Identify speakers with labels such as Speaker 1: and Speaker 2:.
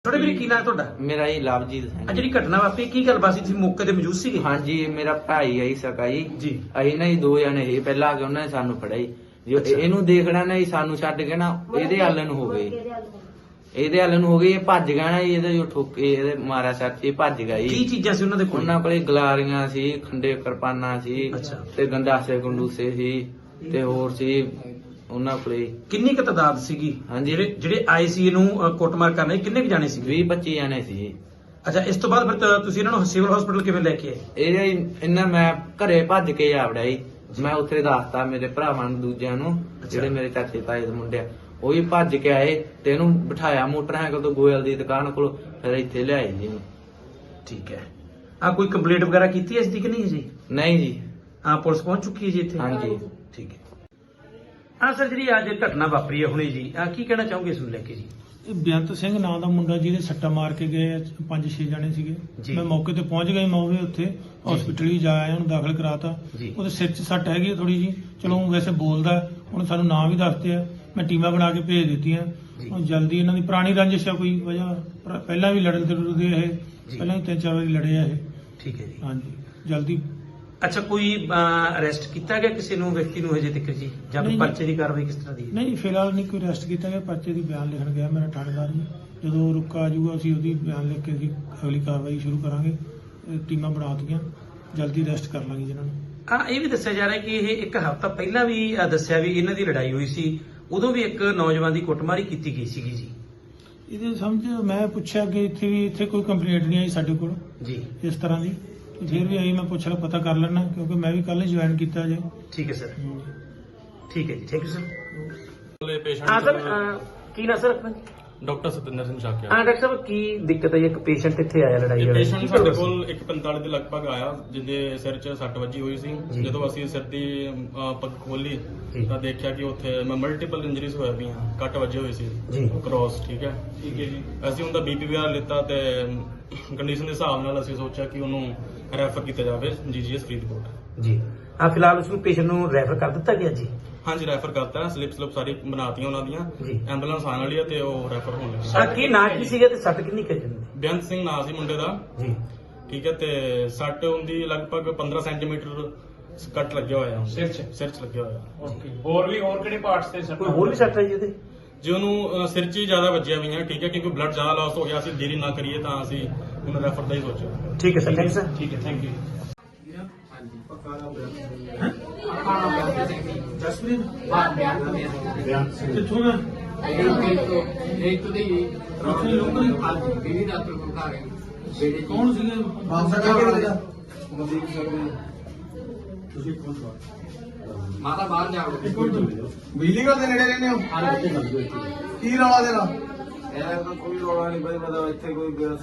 Speaker 1: थोड़े भी की नाम ਤੁਹਾਡਾ?
Speaker 2: ਮੇਰਾ ਜੀ ਲਵਜੀਤ ਸਿੰਘ।
Speaker 1: ਆ ਜਿਹੜੀ ਘਟਨਾ ਵਾਪਰੀ ਕੀ ਗੱਲਬਾਤ ਸੀ, ਤੁਸੀਂ ਮੌਕੇ ਤੇ ਮੌਜੂਦ ਸੀਗੇ?
Speaker 2: ਹਾਂਜੀ ਮੇਰਾ ਭਾਈ ਆਈ ਸਕਾ ਜੀ।
Speaker 1: ਜੀ
Speaker 2: ਅਸੀਂ ਨਾ ਜੀ ਦੋ ਜਣੇ ਸੀ, ਪਹਿਲਾਂ ਆ ਕੇ ਉਹਨਾਂ ਨੇ ਸਾਨੂੰ ਫੜਿਆ ਜੀ। ਜੋ ਇਹਨੂੰ ਦੇਖਣਾ ਨਾ ਜੀ, ਸਾਨੂੰ ਛੱਡ ਕੇ ਨਾ ਇਹਦੇ ਹੱਲ ਨੂੰ ਹੋ ਗਏ, ਇਹਦੇ ਹੱਲ ਨੂੰ ਹੋ ਗਏ। ਇਹ ਭੱਜ ਗਿਆ ਨਾ ਜੀ, ਇਹਦੇ ਜੋ ਠੋਕੇ ਇਹਦੇ ਮਾਰਿਆ ਸਰ, ਇਹ ਭੱਜ ਗਿਆ
Speaker 1: ਕੀ
Speaker 2: ਜੀ।
Speaker 1: ਚੀਜ਼ਾਂ ਸੀ ਉਹਨਾਂ ਦੇ ਕੋਲ?
Speaker 2: ਉਹਨਾਂ ਕੋਲੇ ਗਲਾਰੀਆਂ ਸੀ, ਖੰਡੇ ਕਿਰਪਾਨਾਂ ਸੀ
Speaker 1: ਅੱਛਾ।
Speaker 2: ਤੇ ਗੰਡਾਸੇ ਗੰਡੂਸੇ ਸੀ ਤੇ ਹੋਰ ਸੀ ਉਹਨਾਂ ਕੋਲੇ।
Speaker 1: ਕਿੰਨੀ ਕੁ ਤਾਦਾਦ ਸੀਗੀ?
Speaker 2: ਹਾਂਜੀ।
Speaker 1: ਜਿਹੜੇ ਆਏ ਸੀ ਇਹਨੂੰ ਕੁੱਟਮਾਰ ਕਰਨ, ਕਿੰਨੇ ਕੁ ਜਾਣੇ ਸੀ?
Speaker 2: 20-25 ਜਣੇ ਸੀ।
Speaker 1: ਅੱਛਾ, ਇਸ ਤੋਂ ਬਾਅਦ ਫਿਰ ਤੁਸੀਂ ਇਹਨਾਂ ਨੂੰ ਸਿਵਲ ਹਸਪੀਟਲ ਕਿਵੇਂ ਲੈ ਕੇ ਆਏ?
Speaker 2: ਇਹਨਾਂ ਮੈਂ ਘਰੇ ਭੱਜ ਕੇ ਆ ਵੜਿਆ ਜੀ। ਮੈਂ ਉੱਥੇ ਦੱਸਤਾ ਮੇਰੇ ਭਰਾਵਾਂ ਨੂੰ, ਦੂਜਿਆਂ ਨੂੰ, ਜਿਹੜੇ ਮੇਰੇ ਚਾਚੇ ਤਾਏ ਦੇ ਮੁੰਡੇ ਆ, ਉਹ ਵੀ ਭੱਜ ਕੇ ਆਏ ਤੇ ਇਹਨੂੰ ਬਿਠਾਇਆ ਮੋਟਰਸਾਈਕਲ ਤੋਂ ਗੋਇਲ ਦੀ ਦੁਕਾਨ ਕੋਲ, ਫਿਰ ਇੱਥੇ ਲਿਆਏ ਜੀ।
Speaker 1: ਠੀਕ ਹੈ। ਆ ਕੋਈ ਕੰਪਲੇਂਟ ਵਗੈਰਾ ਕੀਤੀ ਹੈ ਇਸ ਦੀ ਕਿ ਨਹੀਂ ਜੀ?
Speaker 2: ਨਹੀਂ ਜੀ।
Speaker 1: ਹਾਂ, ਪੁਲਿਸ ਪਹੁੰਚ ਚੁੱਕੀ ਹੈ ਜੀ ਇੱਥੇ?
Speaker 2: ਹਾਂਜੀ।
Speaker 1: ਠੀਕ ਹੈ। ਹਾਂ ਸਰ, ਜਿਹੜੀ ਅੱਜ ਘਟਨਾ ਵਾਪਰੀ ਹੈ ਹੁਣੇ ਜੀ, ਕੀ ਕਹਿਣਾ ਚਾਹੋਗੇ ਇਸ ਨੂੰ ਲੈ ਕੇ ਜੀ?
Speaker 3: ਇਹ ਬੇਅੰਤ ਸਿੰਘ ਨਾਂ ਦਾ ਮੁੰਡਾ ਜਿਹਦੇ ਸੱਟਾ ਮਾਰ ਕੇ ਗਏ 5-6 ਜਣੇ ਸੀਗੇ। ਮੈਂ ਮੌਕੇ ਤੇ ਪਹੁੰਚ ਗਿਆ, ਮੈਂ ਉਹ ਵੀ ਉੱਥੇ ਹਸਪੀਟਲ ਹੀ ਜਾ ਆਇਆ, ਉਹਨੂੰ ਦਾਖਲ ਕਰਾਤਾ। ਉਹਦੇ ਸਿਰ 'ਚ ਸੱਟ ਹੈਗੀ ਥੋੜੀ ਜੀ, ਚਲੋ ਵੈਸੇ ਬੋਲਦਾ, ਹੁਣ ਸਾਨੂੰ ਨਾਂ ਵੀ ਦੱਸਦੇ ਆ, ਮੈਂ ਟੀਮਾਂ ਬਣਾ ਕੇ ਭੇਜ ਦਿੱਤੀਆਂ। ਹੁਣ ਜਲਦੀ ਇਹਨਾਂ ਦੀ ਪੁਰਾਣੀ ਰੰਜਿਸ਼ ਆ ਕੋਈ ਵਜ੍ਹਾ, ਪਹਿਲਾਂ ਵੀ ਲੜਨ ਤੇ ਰੁੜਦੇ ਇਹ, ਪਹਿਲਾਂ ਵੀ 3-4 ਵਾਰੀ ਲੜੇ ਆ ਇਹ।
Speaker 1: ਠੀਕ ਹੈ ਜੀ।
Speaker 3: ਹਾਂਜੀ, ਜਲਦੀ।
Speaker 1: ਅੱਛਾ, ਕੋਈ ਅਰੈਸਟ ਕੀਤਾ ਗਿਆ ਕਿਸੇ ਨੂੰ, ਵਿਅਕਤੀ ਨੂੰ ਹਜੇ ਤੱਕ ਜੀ, ਜਾਂ ਕੋਈ ਪਰਚੇ ਦੀ ਕਾਰਵਾਈ ਕਿਸ ਤਰ੍ਹਾਂ ਦੀ ਹੈ?
Speaker 3: ਨਹੀਂ, ਫਿਲਹਾਲ ਨਹੀਂ ਕੋਈ ਅਰੈਸਟ ਕੀਤਾ ਗਿਆ। ਪਰਚੇ ਦੀ ਬਿਆਨ ਲਿਖਣ ਗਿਆ ਮੇਰਾ ਥਾਣੇਦਾਰ ਜੀ, ਜਦੋਂ ਰੁਕਾ ਆ ਜਾਊਗਾ ਅਸੀਂ ਉਹਦੀ ਬਿਆਨ ਲਿਖ ਕੇ ਅਸੀਂ ਅਗਲੀ ਕਾਰਵਾਈ ਸ਼ੁਰੂ ਕਰਾਂਗੇ। ਟੀਮਾਂ ਬਣਾ ਦਿੱਤੀਆਂ, ਜਲਦੀ ਅਰੈਸਟ ਕਰ ਲਾਂਗੇ ਜਿਹਨਾਂ ਨੂੰ।
Speaker 1: ਇਹ ਵੀ ਦੱਸਿਆ ਜਾ ਰਿਹਾ ਕਿ ਇਹ ਇੱਕ ਹਫ਼ਤਾ ਪਹਿਲਾਂ ਵੀ ਦੱਸਿਆ ਵੀ ਇਹਨਾਂ ਦੀ ਲੜਾਈ ਹੋਈ ਸੀ, ਉਦੋਂ ਵੀ ਇੱਕ ਨੌਜਵਾਨ ਦੀ ਕੁੱਟਮਾਰੀ ਕੀਤੀ ਗਈ ਸੀਗੀ ਜੀ।
Speaker 3: ਇਹਦੇ ਸਮਝ ਮੈਂ ਪੁੱਛਿਆ ਕਿ ਇੱਥੇ ਕੋਈ ਕੰਪਲੇਂਟ ਨਹੀਂ ਆਈ ਸਾਡੇ ਕੋਲ
Speaker 1: ਜੀ ਇਸ
Speaker 3: ਇਸ ਤਰ੍ਹਾਂ ਦੀ, ਫਿਰ ਵੀ ਆਈ, ਮੈਂ ਪੁੱਛ ਲਾ ਪਤਾ ਕਰ ਲੈਣਾ, ਕਿਉਂਕਿ ਮੈਂ ਵੀ ਕੱਲ ਜੁਆਇਨ ਕੀਤਾ ਜੇ।
Speaker 1: ਠੀਕ ਹੈ ਸਰ। ਠੀਕ ਹੈ ਜੀ, ਥੈਂਕ ਯੂ ਸਰ।
Speaker 4: ਹਾਂ
Speaker 1: ਸਰ, ਕੀ ਨਾ ਸਰ ਆਪਣਾ?
Speaker 4: ਡਾਕਟਰ ਸਤਿੰਦਰ ਸਿੰਘ ਸ਼ਾਕਿਆ।
Speaker 1: ਡਾਕਟਰ ਸਾਹਿਬ, ਕੀ ਦਿੱਕਤ ਹੈ? ਇੱਕ ਪੇਸ਼ੈਂਟ ਇੱਥੇ ਆਇਆ ਲੜਾਈ ਵਾਲਾ,
Speaker 4: ਪੇਸ਼ੈਂਟ ਸਾਡੇ ਕੋਲ 1:45 ਦੇ ਲਗਭਗ ਆਇਆ, ਜਿਹਦੇ ਸਿਰ 'ਚ ਸੱਟ ਵੱਜੀ ਹੋਈ ਸੀ। ਜਦੋਂ ਅਸੀਂ ਸਿਰ ਦੀ ਪੱਗ ਖੋਲੀ ਤਾਂ ਦੇਖਿਆ ਕਿ ਉੱਥੇ ਮਲਟੀਪਲ ਇੰਜਰੀਜ਼ ਹੋਈਆਂ ਪਈਆਂ, ਕੱਟ ਵੱਜੇ ਹੋਏ ਸੀ ਕ੍ਰੋਸ। ਠੀਕ ਹੈ ਜੀ। ਅਸੀਂ ਉਹਦਾ BP ਵਗੈਰਾ ਲਿੱਤਾ ਤੇ ਕੰਡੀਸ਼ਨ ਦੇ ਹਿਸਾਬ ਨਾਲ ਅਸੀਂ ਸੋਚਿਆ ਕਿ ਉਹਨੂੰ ਰੈਫਰ ਕੀਤਾ ਜਾਵੇ GGS ਫਰੀਦਕੋਟ
Speaker 1: ਜੀ। ਫਿਲਹਾਲ ਉਸ ਨੂੰ ਪੇਸ਼ੈਂਟ ਨੂੰ ਰੈਫਰ ਕਰ ਦਿੱਤਾ ਗਿਆ ਜੀ?
Speaker 4: ਹਾਂਜੀ, ਰੈਫਰ ਕਰਤਾ। ਸਲਿਪ ਸਾਰੀ ਬਣਾਤੀਆਂ ਉਹਨਾਂ ਦੀਆਂ, ਐਂਬੂਲੈਂਸ ਆਉਣ ਵਾਲੀ ਹੈ ਤੇ ਉਹ ਰੈਫਰ ਹੋਣ ਲੱਗੀ।
Speaker 1: ਕੀ ਨਾਂ ਕੀ ਸੀਗਾ ਤੇ ਸੱਟ ਕਿੰਨੀ ਕੁ ਜਾਂਦੀ?
Speaker 4: ਬੇਅੰਤ ਸਿੰਘ ਨਾਂ ਸੀ ਮੁੰਡੇ ਦਾ
Speaker 1: ਜੀ।
Speaker 4: ਠੀਕ ਹੈ, ਤੇ ਸੱਟ ਹੁੰਦੀ ਲਗਭਗ 15 ਸੈਂਟੀਮੀਟਰ ਕੱਟ ਲੱਗਿਆ ਹੋਇਆ ਸਿਰ 'ਚ ਲੱਗਿਆ ਹੋਇਆ।
Speaker 1: ਹੋਰ ਕਿਹੜੇ ਪਾਰਟਸ ਤੇ ਸੱਟ? ਕੋਈ ਹੋਰ ਵੀ ਸੱਟ ਹੈ ਜੀ ਉਹਦੇ?
Speaker 4: ਜੇ ਉਹਨੂੰ ਸਿਰ 'ਚ ਹੀ ਜ਼ਿਆਦਾ ਵੱਜਿਆ ਹੋਈਆਂ। ਠੀਕ ਹੈ, ਕਿਉਂਕਿ ਬਲੱਡ ਜ਼ਿਆਦਾ ਲਾਸ ਹੋ ਗਿਆ, ਅਸੀਂ ਦੇਰੀ ਨਾ ਕਰੀਏ ਤਾਂ ਅਸੀਂ ਉਹਨੂੰ ਰੈਫਰ ਦਾ ਹੀ ਸੋਚਿਆ।
Speaker 1: ਠੀਕ ਹੈ ਸਰ, ਥੈਂਕ ਯੂ ਸਰ।
Speaker 4: ਠੀਕ ਹੈ, ਥੈਂਕ ਯੂ।
Speaker 3: ਕਿੱਥੋਂ ਦਾ? ਕੌਣ ਸੀਗੇ?
Speaker 5: ਮਾਤਾ ਬਾਹਰ ਜਾ
Speaker 6: ਬਿਜਲੀ ਘਰ ਦੇ ਨੇੜੇ ਰਹਿੰਦੇ ਹੋ? ਕੀ ਰੌਲਾ ਤੇਰਾ?
Speaker 5: ਇਹ ਕੋਈ ਰੋਲਾ ਨਹੀਂ ਬਈ, ਮਤਲਬ ਇੱਥੇ ਕੋਈ